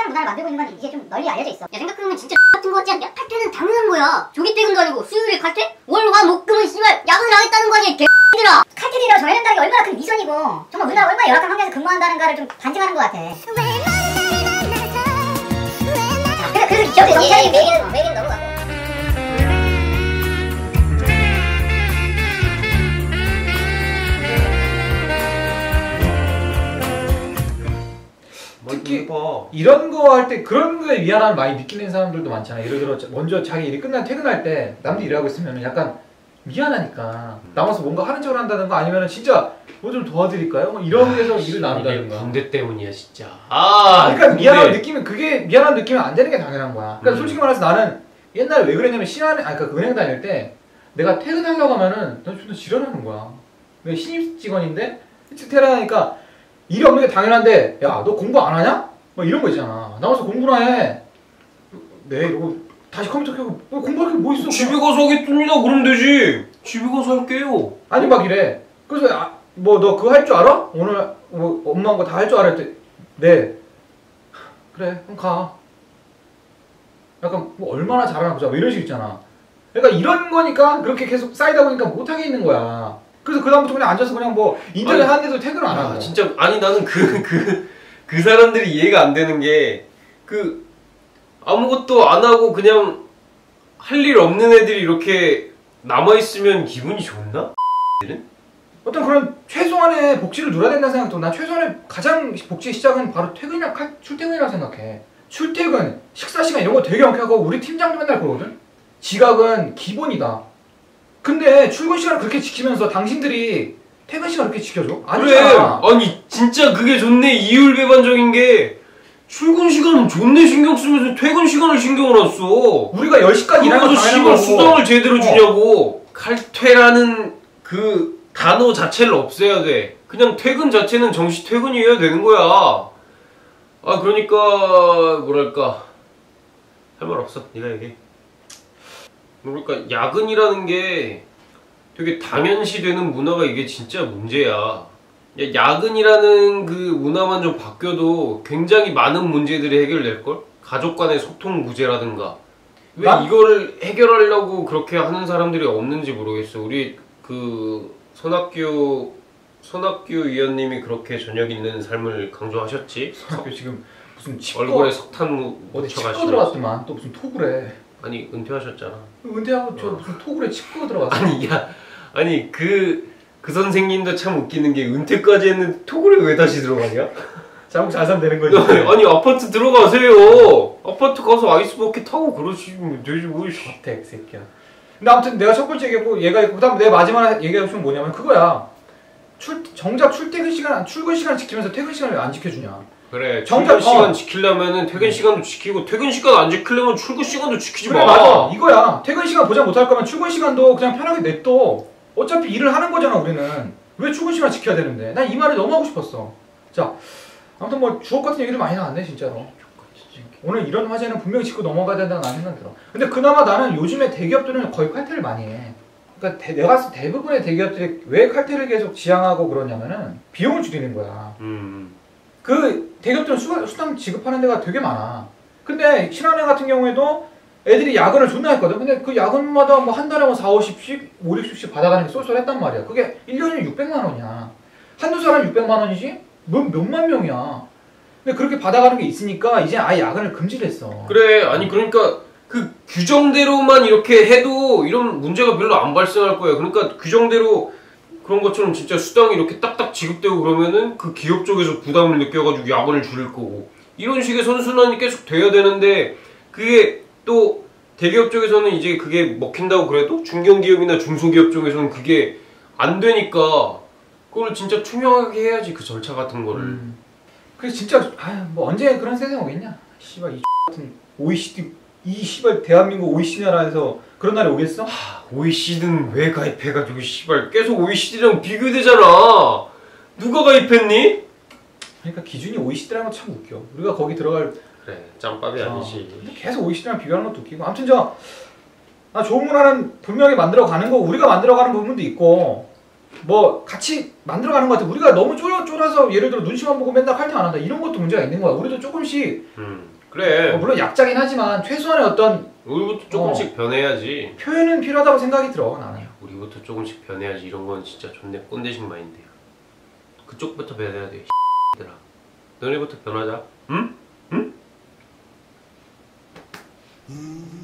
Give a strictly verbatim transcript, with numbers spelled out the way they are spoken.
칼퇴하는 문화를 만들고 있는 건 이제 좀 널리 알려져 있어. 야 생각해보면 진짜 같은 거 같지 않냐? 칼퇴는 당연한 거야. 조기 퇴근도 아니고 수요일에 칼퇴? 월, 화, 목, 금은 씨발 야근을 하겠다는 거 아니야 개X들아. 칼퇴들이라고 정해낸다는 게 얼마나 큰 위선이고 정말 우리나라 얼마나 열악한 환경에서 근무한다는가를 좀 반증하는 것 같아. 자, 그래서 그래서 기업의 정체는 매기는 매기는 넘어가고. 특히 이런 거 할 때 그런 거에 미안함을 많이 느끼는 사람들도 많잖아. 예를 들어 먼저 자기 일이 끝나 퇴근할 때 남들이 일하고 있으면 약간 미안하니까 남아서 뭔가 하는 척을 한다든가 아니면 진짜 뭐 좀 도와드릴까요? 뭐 이런 데서 일을 나눈다든가. 군대 때문이야 진짜. 아 그러니까 군대. 미안한 느낌은 그게 미안한 느낌은 안 되는 게 당연한 거야. 그러니까 음. 솔직히 말해서 나는 옛날에 왜 그랬냐면 신한 아니 그러니까 은행 다닐 때 내가 퇴근하려고 하면은 난 좀 지랄하는 거야. 내가 신입 직원인데 일찍 퇴근하니까 일이 없는 게 당연한데 야 너 공부 안 하냐? 뭐 이런 거 있잖아. 나와서 공부나 해. 네 이러고 다시 컴퓨터 켜고 뭐 공부할 게 뭐 있어. 집에 가서 하겠습니다 그러면 되지. 집에 가서 할게요. 아니 막 이래. 그래서 아, 뭐 너 그거 할 줄 알아? 오늘 뭐 엄마한 거 다 할 줄 알아? 했더니 네. 그래 그럼 가. 약간 뭐 얼마나 잘하나 보자 뭐 이런 식 있잖아. 그러니까 이런 거니까 그렇게 계속 쌓이다 보니까 못하게 있는 거야. 그래서 그다음부터 그냥 앉아서 그냥 뭐 인터넷 하는데도 퇴근을 안 하고. 아, 진짜 아니 나는 그 그 그 사람들이 이해가 안 되는 게 그 아무것도 안 하고 그냥 할 일 없는 애들이 이렇게 남아 있으면 기분이 좋나? 어떤 그런 최소한의 복지를 누려야 된다는 생각도 난 최소한의 가장 복지의 시작은 바로 퇴근이라 출퇴근이라고 생각해. 출퇴근, 식사 시간 이런 거 되게 명확하고 우리 팀장도 맨날 그러거든. 지각은 기본이다. 근데 출근 시간을 그렇게 지키면서 당신들이 퇴근 시간 그렇게 지켜줘? 아니잖아. 그래. 아니 진짜 그게 존내 이율배반적인 게 출근 시간은 존내 신경 쓰면서 퇴근 시간을 신경을 안 써. 우리가 열 시까지 일하는 거 당연한 거고. 수당을 제대로 주냐고. 어. 칼퇴라는 그 단어 자체를 없애야 돼. 그냥 퇴근 자체는 정시 퇴근이어야 되는 거야. 아 그러니까 뭐랄까 할 말 없어. 네가 얘기해. 그러니까 야근이라는 게 되게 당연시되는 문화가 이게 진짜 문제야. 야근이라는 그 문화만 좀 바뀌어도 굉장히 많은 문제들이 해결될걸? 가족 간의 소통 부재라든가. 왜 나? 이거를 해결하려고 그렇게 하는 사람들이 없는지 모르겠어. 우리 그 손학규 손학규 위원님이 그렇게 저녁 있는 삶을 강조하셨지? 손학규 지금 무슨 치과 얼굴에 석탄 묻혀가시고 치과 들어갔더만 또 무슨 톡을 해. 아니 은퇴하셨잖아. 은퇴하고 저 어. 무슨 톡을 해 치과 들어갔어. 아니 야 아니 그 그 선생님도 참 웃기는 게 은퇴까지 했는데 톡을 왜 다시 들어가냐? 자국 잘 사면 되는 거지. 아니 아파트 들어가세요. 아파트 가서 아이스버킷 타고 그러시면 되지 뭐. tek 새끼야. 근데 아무튼 내가 첫 번째 얘기했고 얘가 있고 그다음 내 마지막 얘기하고 싶은 건 뭐냐면 그거야. 출 정작 출퇴근 시간 출근 시간 지키면서 퇴근 시간을 왜 안 지켜주냐? 그래. 정작 출근 시간 어. 지키려면은 퇴근 시간도 지키고 퇴근 시간 안 지키려면 출근 시간도 지키지 그래, 마. 맞아. 이거야. 퇴근 시간 보장 못할 거면 출근 시간도 그냥 편하게 냅둬. 어차피 일을 하는 거잖아 우리는. 왜 출근 시간 지켜야 되는데? 난 이 말이 너무 하고 싶었어. 자, 아무튼 뭐 주옥 같은 얘기도 많이 나왔네 진짜로. 오늘 이런 화제는 분명히 짚고 넘어가야 된다는 나는 생각이 들어. 근데 그나마 나는 요즘에 대기업들은 거의 칼퇴를 많이 해. 그러니까 대, 내가 봤을 때 대부분의 대기업들이 왜 칼퇴를 계속 지향하고 그러냐면은 비용을 줄이는 거야. 음. 그 대기업들은 수, 수당 지급하는 데가 되게 많아. 근데 신한은행 같은 경우에도 애들이 야근을 존나 했거든. 근데 그 야근마다 뭐 한 달에 뭐 사오십씩, 오육십씩 받아가는 게 쏠쏠했단 말이야. 그게 일 년이면 육백만 원이야. 한두 사람 육백만 원이지? 몇, 몇만 명이야. 근데 그렇게 받아가는 게 있으니까 이제 아예 야근을 금지를 했어. 그래. 아니 그러니까 그 규정대로만 이렇게 해도 이런 문제가 별로 안 발생할 거예요. 그러니까 규정대로 그런 것처럼 진짜 수당이 이렇게 딱딱 지급되고 그러면은 그 기업 쪽에서 부담을 느껴가지고 야근을 줄일 거고 이런 식의 선순환이 계속 돼야 되는데 그게 또 대기업 쪽에서는 이제 그게 먹힌다고 그래도 중견기업이나 중소기업 쪽에서는 그게 안 되니까 그걸 진짜 투명하게 해야지 그 절차 같은 거를. 음. 그래서 진짜 아유 뭐 언제 그런 세상이 오겠냐? 씨발 이 같은 오이시디 이 씨발 대한민국 오이시디 나라에서 그런 날이 오겠어? 하, 오이시디는 왜 가입해가지고 씨발 계속 오이시디랑 비교되잖아. 누가 가입했니? 그러니까 기준이 오이시디라는 건 참 웃겨. 우리가 거기 들어갈 그래 짬밥이 어, 아니지. 근데 계속 오이시디랑 비교하는 것도 웃기고. 아무튼 저 아, 좋은 문화는 분명히 만들어가는 거고 우리가 만들어가는 부분도 있고 뭐 같이 만들어가는 것 같아. 우리가 너무 쫄아, 쫄아서 예를 들어 눈치만 보고 맨날 칼퇴 안 한다 이런 것도 문제가 있는 거야. 우리도 조금씩 음. 그래. 어, 물론 약자긴 하지만 최소한의 어떤 우리부터 조금씩 변해야지. 표현은 필요하다고 생각이 들어 나는. 우리부터 조금씩 변해야지. 이런 건 진짜 존내 꼰대식 마인드야. 그쪽부터 변해야 돼. 얘들아. 너네부터 변하자. 응? 응?